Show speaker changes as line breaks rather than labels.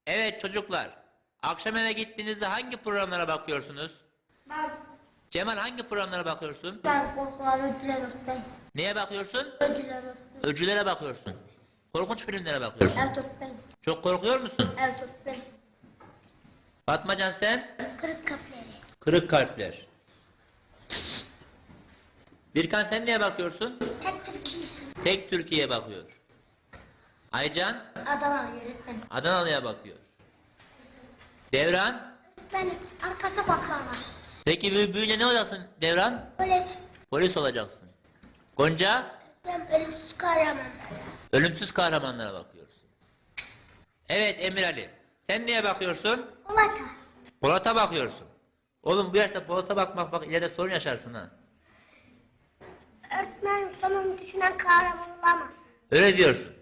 Evet çocuklar. Akşam eve gittiğinizde hangi programlara bakıyorsunuz?
Ben,
Cemal hangi programlara bakıyorsun?
ben korkular ödüller olsun.
Neye bakıyorsun?
Ödüller olsun.
Öcülere bakıyorsun. Korkunç filmlere bakıyorsun.
Evet öğretmenim.
Çok korkuyor musun?
Evet öğretmenim.
Fatmacan sen?
Kırık kapları.
Kırık kalpler. Birkan sen neye bakıyorsun?
Tek Türkiye.
Tek Türkiye bakıyor. Aycan?
Adana öğretmenim.
Adanalı'ya bakıyor. Devran?
Öğretmenim arkası baklava.
Peki büyüyünce ne olacaksın Devran?
Polis.
Polis olacaksın. Gonca?
Ben ölümsüz kahraman.
Ölümsüz kahramanlara bakıyorsun. Evet Emir Ali. Sen neye bakıyorsun?
Polata.
Polat'a bakıyorsun. Oğlum bu yaşta Polat'a bakmak bak ileride sorun yaşarsın ha.
Öğretmen sonunu düşünen kahraman olamaz.
Öyle diyorsun.